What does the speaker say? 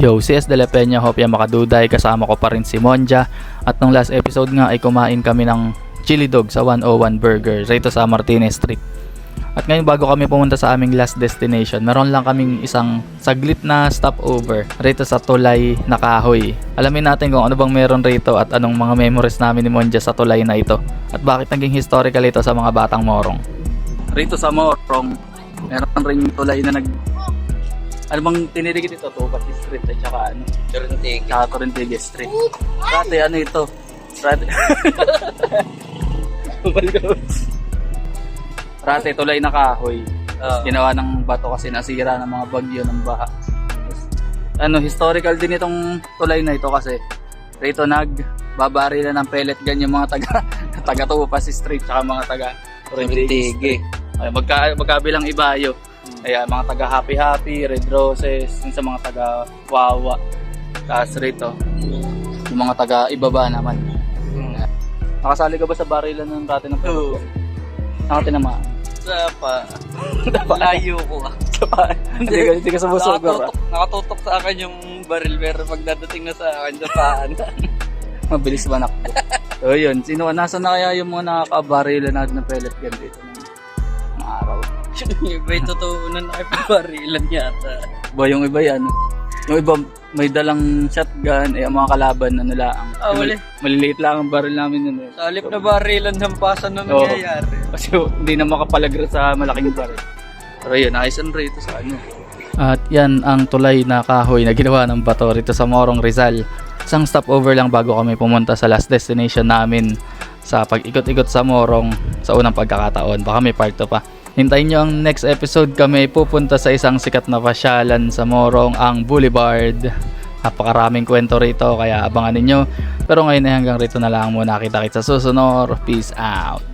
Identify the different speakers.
Speaker 1: Yo, CS De La Peña, Hopia Makaduday, kasama ko pa rin si Monja. At nung last episode nga ay kumain kami ng chili dog sa 101 Burger rito sa Martinez Street. At ngayon bago kami pumunta sa aming last destination, meron lang kaming isang saglit na stopover rito sa Tulay na Kahoy. Alamin natin kung ano bang meron rito at anong mga memories namin ni Monja sa tulay na ito. At bakit naging historical ito sa mga batang Morong. Rito sa Morong, meron ring tulay na ano bang tiniligid ito? Tupat Street at saka ano? Torrentigues Street. Dati ano ito? Dati tulay na kahoy. Ginawa ng bato kasi nasira ng mga bagyo ng baha. Ano, historical din itong tulay na ito kasi rito nagbabarilan ng pellet gun yung mga taga Tupas Street at mga taga Torrentigues. Ay, magkabilang ibayo. Kaya mga taga Happy, Red Roses, sa mga taga Wawa. Tapos rito, yung mga taga Ibaba naman. Nakasali ka ba sa barilan ng dati ng pellet gun? Nakatinamaan.
Speaker 2: Layo ko
Speaker 1: Hindi ka sumusog.
Speaker 2: Nakatutok sa akin yung baril pero pagdadating na sa akin sa paan.
Speaker 1: Mabilis ba nakbo? So yun, nasa na kaya yung mga nakakabarilan natin ng pellet gun dito ng araw?
Speaker 2: Yung iba yung totoo na nakipabarilan yata.
Speaker 1: Ba yung iba yan? Yung iba may dalang shotgun, ang mga kalaban ano lang.
Speaker 2: Wala.
Speaker 1: Maliliit lang ang baril namin yun.
Speaker 2: Sa halip na barilan, hampasan na nangyayari.
Speaker 1: Kasi hindi na makapalagra sa malaking baril. Pero yun, ayos ang rito sa ano. At yan ang tulay na kahoy na ginawa ng bato rito sa Morong, Rizal. Isang stopover lang bago kami pumunta sa last destination namin sa pag-ikot-ikot sa Morong sa unang pagkakataon. Baka may part 2 pa. Hintayin nyo ang next episode, kami pupunta sa isang sikat na pasyalan sa Morong, ang Boulevard. Napakaraming kwento rito kaya abangan ninyo. Pero ngayon ay hanggang rito na lang muna, kita-kits sa susunod. Peace out.